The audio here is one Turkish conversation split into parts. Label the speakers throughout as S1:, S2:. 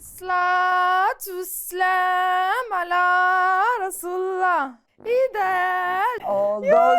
S1: Salatu vesselam ala Resulullah. İder.
S2: Oldu o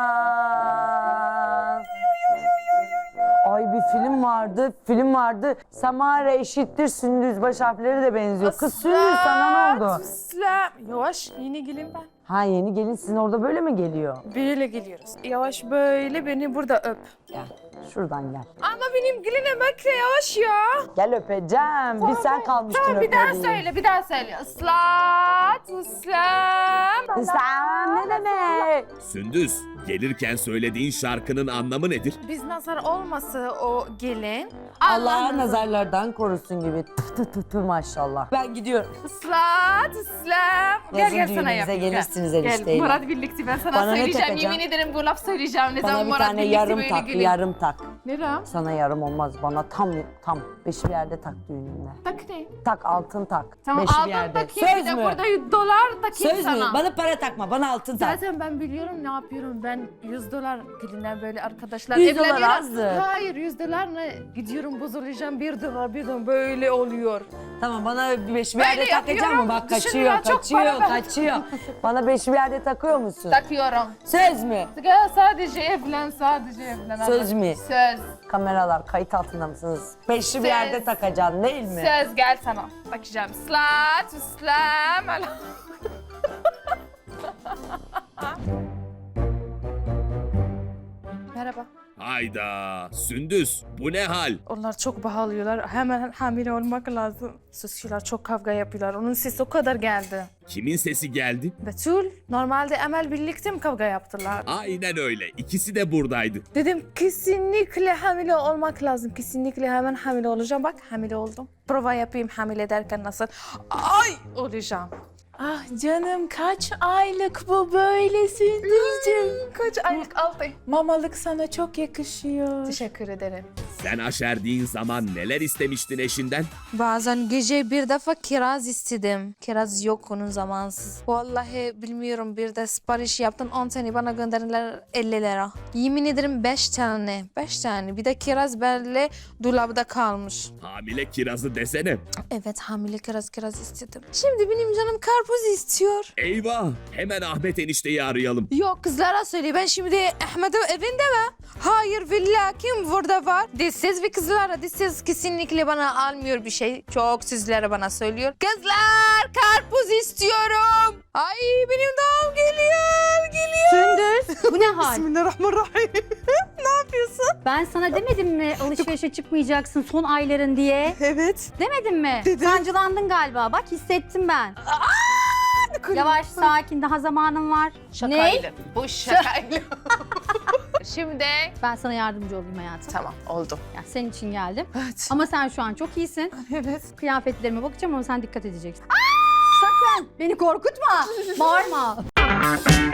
S2: zaman. Ay bir film vardı. Samara eşittir Sündüz, baş harfleri de benziyor. Kız Sündüz, sana ne oldu?
S1: Vesselam. Yavaş, yeni gelin ben.
S2: Ha, yeni gelin sizin orada böyle mi geliyor?
S1: Böyle geliyoruz. Yavaş böyle beni burada öp.
S2: Gel, şuradan gel.
S1: Ama benim geline bekle yavaş ya.
S2: Gel öpeceğim. Bir sen kalmıştın
S1: Tamam bir daha
S2: öpmediğin.
S1: söyle, bir daha söyle. Salatu vesselam.
S2: İslam ne demek?
S3: Sündüz, gelirken söylediğin şarkının anlamı nedir?
S1: Biz nazar olmasa o gelin.
S2: Allah nazarlardan korusun gibi. Tı maşallah. Ben gidiyorum.
S1: Salatu vesselam.
S2: Yazın
S1: Gel sana
S2: düğünümüze
S1: yapayım.
S2: gelirsiniz
S1: Gel
S2: enişteyle.
S1: Murat birlikte ben sana
S2: Bana ne
S1: söyleyeceğim.
S2: takacağım?
S1: Yemin ederim bu laf söyleyeceğim. Ne
S2: Bana
S1: zaman
S2: bir
S1: Murat
S2: tane
S1: birlikte
S2: yarım
S1: böyle
S2: tak,
S1: gelin.
S2: yarım tak.
S1: Ne ram?
S2: Sana yarım olmaz, bana tam. Beşi bir yerde tak düğünümde.
S1: Tak ne?
S2: Tak, altın tak.
S1: Tamam
S2: Beşi bir
S1: altın
S2: yerde.
S1: takayım bir
S2: Söz
S1: de
S2: mü?
S1: burada dolar takayım
S2: Söz
S1: sana.
S2: mü? Bana para takma, bana altın tak.
S1: Zaten ben biliyorum ne yapıyorum. Ben 100 dolar gelinden böyle arkadaşlar
S2: 100 dolar
S1: evleniyorum.
S2: azdı.
S1: Hayır 100 dolar ne? Gidiyorum bozulacağım 1 dolar böyle oluyor.
S2: Tamam, bana beşi bir
S1: Böyle
S2: yerde takacak
S1: yapıyorum.
S2: mı? Bak
S1: Düşün
S2: kaçıyor,
S1: ya, çok para ver.
S2: kaçıyor. Bana beşi bir yerde takıyor musun?
S1: Takıyorum.
S2: Söz mü?
S1: Gel sadece evlen.
S2: Söz mü?
S1: Söz.
S2: Kameralar kayıt altında mısınız? Beşi bir
S1: Söz.
S2: yerde takacaksın değil mi?
S1: Söz gel sana. Bakacağım. Salat, İslam. Merhaba.
S3: Hayda, Sündüz, bu ne hal?
S1: Onlar çok bağırıyorlar. Hemen hamile olmak lazım. Susuyorlar, çok kavga yapıyorlar. Onun sesi o kadar geldi.
S3: Kimin sesi geldi?
S1: Betül, normalde Emel birlikte mi kavga yaptılar?
S3: Aynen öyle, ikisi de buradaydı.
S1: Dedim kesinlikle hamile olmak lazım. Kesinlikle hemen hamile olacağım. Bak hamile oldum. Prova yapayım hamile derken nasıl? Ay olacağım.
S4: Ah canım kaç aylık bu böyle Sündüzcüğüm?
S1: Kaç aylık 6 ay.
S4: Mamalık sana çok yakışıyor.
S1: Teşekkür ederim.
S3: Sen aşerdiğin zaman neler istemiştin eşinden?
S1: Bazen gece bir defa kiraz istedim. Kiraz yok onun zamansız. Vallahi bilmiyorum bir de sipariş yaptım 10 tane bana gönderdiler 50 lira. Yemin ederim 5 tane. 5 tane. Bir de kiraz böyle dolapta kalmış.
S3: Hamile kirazı desene.
S1: Evet hamile kiraz istedim. Şimdi benim canım karpuz istiyor.
S3: Eyvah, hemen Ahmet enişteyi arayalım.
S1: Yok kızlara söyle ben şimdi Ahmet'in evinde mi? Hayır villa kim burada var? Dişsiz ve kızlara dişsiz kesinlikle bana almıyor bir şey. Çok sizlere bana söylüyor. Kızlar karpuz istiyorum. Ay benim doğum geliyor.
S5: Sündüz, bu ne hal?
S1: Bismillahirrahmanirrahim. Ne yapıyorsun?
S5: Ben sana demedim mi alışverişe çıkmayacaksın son ayların diye?
S1: Evet.
S5: Demedim mi?
S1: Dedim.
S5: Sancılandın galiba. Bak hissettim ben. Yavaş, sakin. Daha zamanın var.
S1: Şakayla. Bu şakayla. Şimdi
S5: Ben sana yardımcı olayım hayatım.
S1: tamam oldu.
S5: Ya senin için geldim.
S1: Evet.
S5: Ama sen şu an çok iyisin.
S1: Evet.
S5: Kıyafetlerime bakacağım ama sen dikkat edeceksin. Sakın beni korkutma. Bağırma.